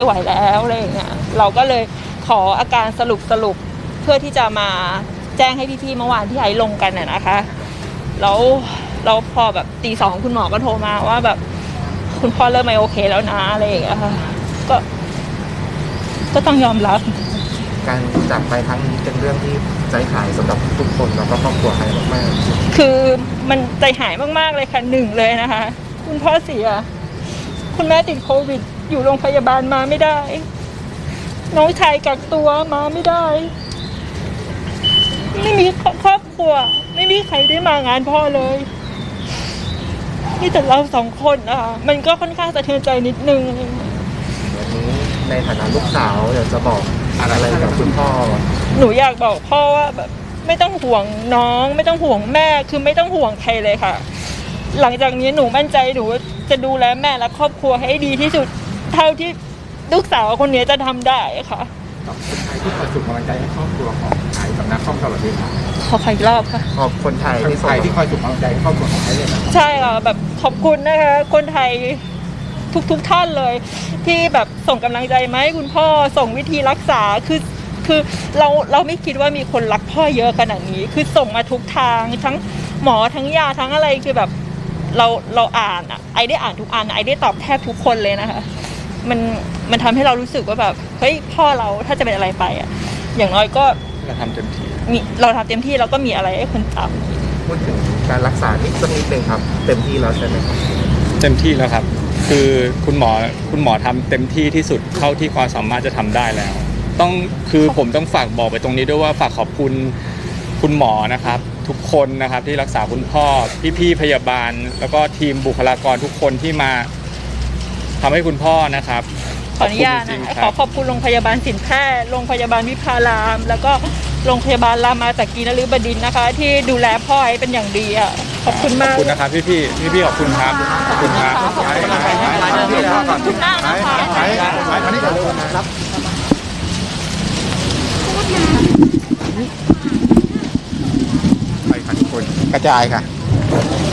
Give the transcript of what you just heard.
ไม่ไหวแล้วอะไรอย่างเงี้ยเราก็เลยขออาการสรุปเพื่อที่จะมาแจ้งให้พี่ๆเมื่อวานที่ไอลงกันนะคะแล้วพอแบบตี 2คุณหมอก็โทรมาว่าแบบคุณพ่อเริ่มไม่โอเคแล้วนะอะไรอย่างเงี้ยค่ะก็ต้องยอมรับการจากไปครั้งนี้เป็นเรื่องที่ใจหายสำหรับทุกคนแล้วก็ครอบครัวไทยมากๆคือมันใจหายมากๆเลยค่ะหนึ่งเลยนะคะคุณพ่อเสียคุณแม่ติดโควิดอยู่โรงพยาบาลมาไม่ได้น้องชายกักตัวมาไม่ได้ไม่มีครอบครัวไม่มีใครได้มางานพ่อเลยนี่แต่เรา2 คนนะคะมันก็ค่อนข้างสะเทือนใจนิดนึงวันนี้ในฐานะลูกสาวอยากจะบอกอะไรกับคุณพ่อหนูอยากบอกพ่อว่าแบบไม่ต้องห่วงน้องไม่ต้องห่วงแม่คือไม่ต้องห่วงใครเลยค่ะหลังจากนี้หนูมั่นใจหนูจะดูแลแม่และครอบครัวให้ดีที่สุดเท่าที่ลูกสาวคนนี้จะทำได้ค่ะขอบคนไทยที่คอยส่งกำลังใจให้ครอบครัวของไทยกับนักคอมตลอดเวลาขออีกรอบค่ะขอบคนไทยที่คอยส่งกำลังใจให้ครอบครัวของไทยเลยนะใช่ค่ะแบบขอบคุณนะคะคนไทยทุกท่านเลยที่แบบส่งกำลังใจมาให้คุณพ่อส่งวิธีรักษาคือเราไม่คิดว่ามีคนรักพ่อเยอะขนาดนี้คือส่งมาทุกทางทั้งหมอทั้งยาทั้งอะไรคือแบบเราอ่านอ่ะไอได้อ่านทุกอันไอได้ตอบแทบทุกคนเลยนะคะมันทำให้เรารู้สึกว่าแบบเฮ้ยพ่อเราถ้าจะเป็นอะไรไปอ่ะอย่างน้อยก็เราทำเต็มที่เราก็มีอะไรให้คนจำพูดถึงการรักษานิดนึงครับเต็มที่แล้วใช่ไหมครับเต็มที่แล้วครับคือคุณหมอทำเต็มที่ที่สุดเท่าที่ความสามารถจะทำได้แล้วผมต้องฝากบอกไปตรงนี้ด้วยว่าฝากขอบคุณคุณหมอนะครับทุกคนนะครับที่รักษาคุณพ่อพี่พยาบาลแล้วก็ทีมบุคลากรทุกคนที่มาทำให้คุณพ่อนะครับขออนุญาตนะขอบคุณโรงพยาบาลสินแพทย์โรงพยาบาลวิภารามแล้วก็โรงพยาบาลรามาจากกีนฤบดินทร์นะคะที่ดูแลพ่อไอ้เป็นอย่างดีอ่ะขอบคุณมากขอบคุณนะครับพี่ขอบคุณครับขอบคุณครับไปค่ะทุกคนกระจายค่ะ